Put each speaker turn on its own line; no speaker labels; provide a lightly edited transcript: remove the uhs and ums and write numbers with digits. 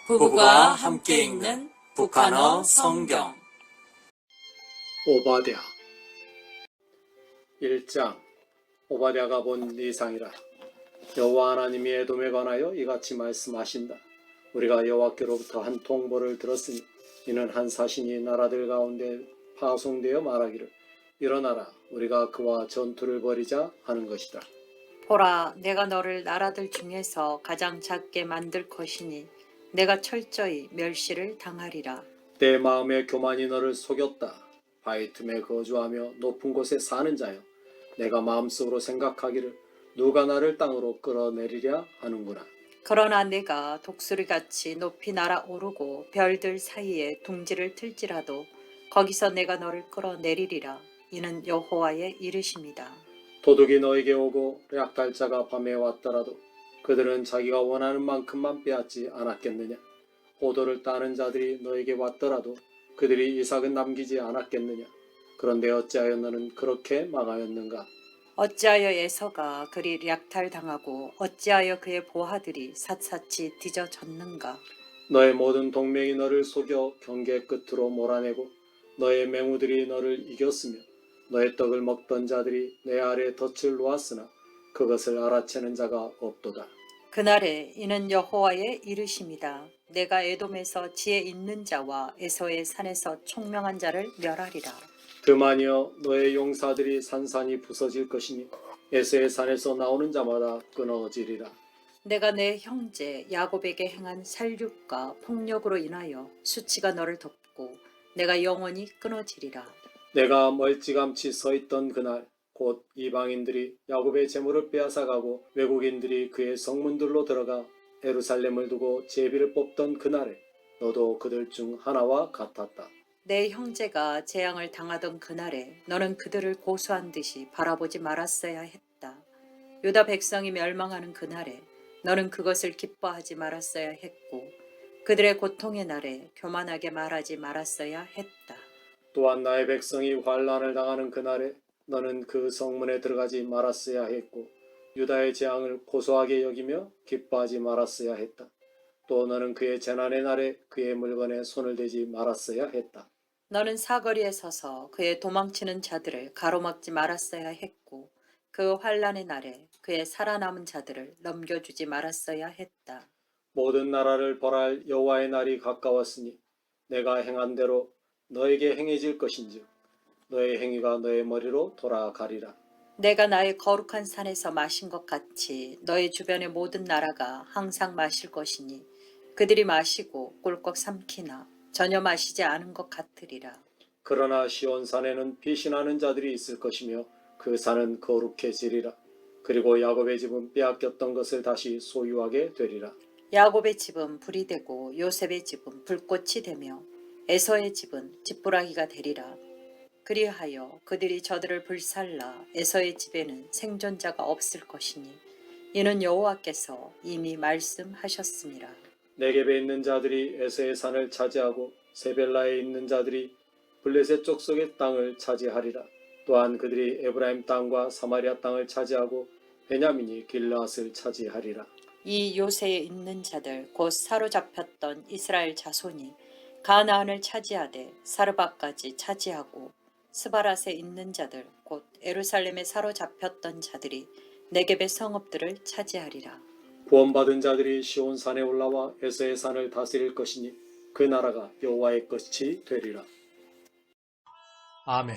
부부가 함께 읽는 북한어 성경.
오바댜 1장. 오바댜가 본 이상이라. 여호와 하나님이 에돔에 관하여 이같이 말씀하신다. 우리가 여호와께로부터 한 통보를 들었으니 이는 한 사신이 나라들 가운데 파송되어 말하기를 일어나라 우리가 그와 전투를 벌이자 하는 것이다.
보라, 내가 너를 나라들 중에서 가장 작게 만들 것이니 내가 철저히 멸시를 당하리라.
내 마음의 교만이 너를 속였다. 바위 틈에 거주하며 높은 곳에 사는 자여, 내가 마음속으로 생각하기를 누가 나를 땅으로 끌어내리랴 하는구나.
그러나 내가 독수리같이 높이 날아오르고 별들 사이에 둥지를 틀지라도 거기서 내가 너를 끌어내리리라. 이는 여호와의 이르심이다.
도둑이 너에게 오고 약탈자가 밤에 왔더라도 그들은 자기가 원하는 만큼만 빼앗지 않았겠느냐. 호도를 따는 자들이 너에게 왔더라도 그들이 이삭은 남기지 않았겠느냐. 그런데 어찌하여 너는 그렇게 망하였는가.
어찌하여 에서가 그리 약탈당하고 어찌하여 그의 보화들이 샅샅이 뒤져졌는가.
너의 모든 동맹이 너를 속여 경계 끝으로 몰아내고 너의 맹우들이 너를 이겼으며 너의 떡을 먹던 자들이 내 아래 덫을 놓았으나 그것을 알아채는 자가 없도다.
그날에 이는 여호와의 이르심이다. 내가 에돔에서 지혜 있는 자와 에서의 산에서 총명한 자를 멸하리라.
그만이여 너의 용사들이 산산이 부서질 것이니 에서의 산에서 나오는 자마다 끊어지리라.
내가 내 형제 야곱에게 행한 살육과 폭력으로 인하여 수치가 너를 덮고 내가 영원히 끊어지리라.
내가 멀찌감치 서 있던 그날 곧 이방인들이 야곱의 재물을 빼앗아가고 외국인들이 그의 성문들로 들어가 예루살렘을 두고 제비를 뽑던 그날에 너도 그들 중 하나와 같았다.
내 형제가 재앙을 당하던 그날에 너는 그들을 고소한 듯이 바라보지 말았어야 했다. 유다 백성이 멸망하는 그날에 너는 그것을 기뻐하지 말았어야 했고 그들의 고통의 날에 교만하게 말하지 말았어야 했다.
또한 나의 백성이 환난을 당하는 그날에 너는 그 성문에 들어가지 말았어야 했고 유다의 재앙을 고소하게 여기며 기뻐하지 말았어야 했다. 또 너는 그의 재난의 날에 그의 물건에 손을 대지 말았어야 했다.
너는 사거리에 서서 그의 도망치는 자들을 가로막지 말았어야 했고 그 환난의 날에 그의 살아남은 자들을 넘겨주지 말았어야 했다.
모든 나라를 벌할 여호와의 날이 가까웠으니 내가 행한 대로 너에게 행해질 것인즉 너의 행위가 너의 머리로 돌아가리라.
내가 나의 거룩한 산에서 마신 것 같이 너의 주변의 모든 나라가 항상 마실 것이니 그들이 마시고 꿀꺽 삼키나 전혀 마시지 않은 것 같으리라.
그러나 시온산에는 피신하는 자들이 있을 것이며 그 산은 거룩해지리라. 그리고 야곱의 집은 빼앗겼던 것을 다시 소유하게 되리라.
야곱의 집은 불이 되고 요셉의 집은 불꽃이 되며 에서의 집은 짓부라기가 되리라. 그리하여 그들이 저들을 불살라 에서의 집에는 생존자가 없을 것이니 이는 여호와께서 이미 말씀하셨습니다.
네겝에 있는 자들이 에서의 산을 차지하고 세벨라에 있는 자들이 블레셋 족속의 땅을 차지하리라. 또한 그들이 에브라임 땅과 사마리아 땅을 차지하고 베냐민이 길르앗을 차지하리라.
이 요새에 있는 자들 곧 사로잡혔던 이스라엘 자손이 가나안을 차지하되 사르바까지 차지하고 스바랏에 있는 자들 곧 예루살렘에 사로잡혔던 자들이 네겝의 성읍들을 차지하리라.
구원받은 자들이 시온산에 올라와 에서의 산을 다스릴 것이니 그 나라가 여호와의 것이 되리라.
아멘.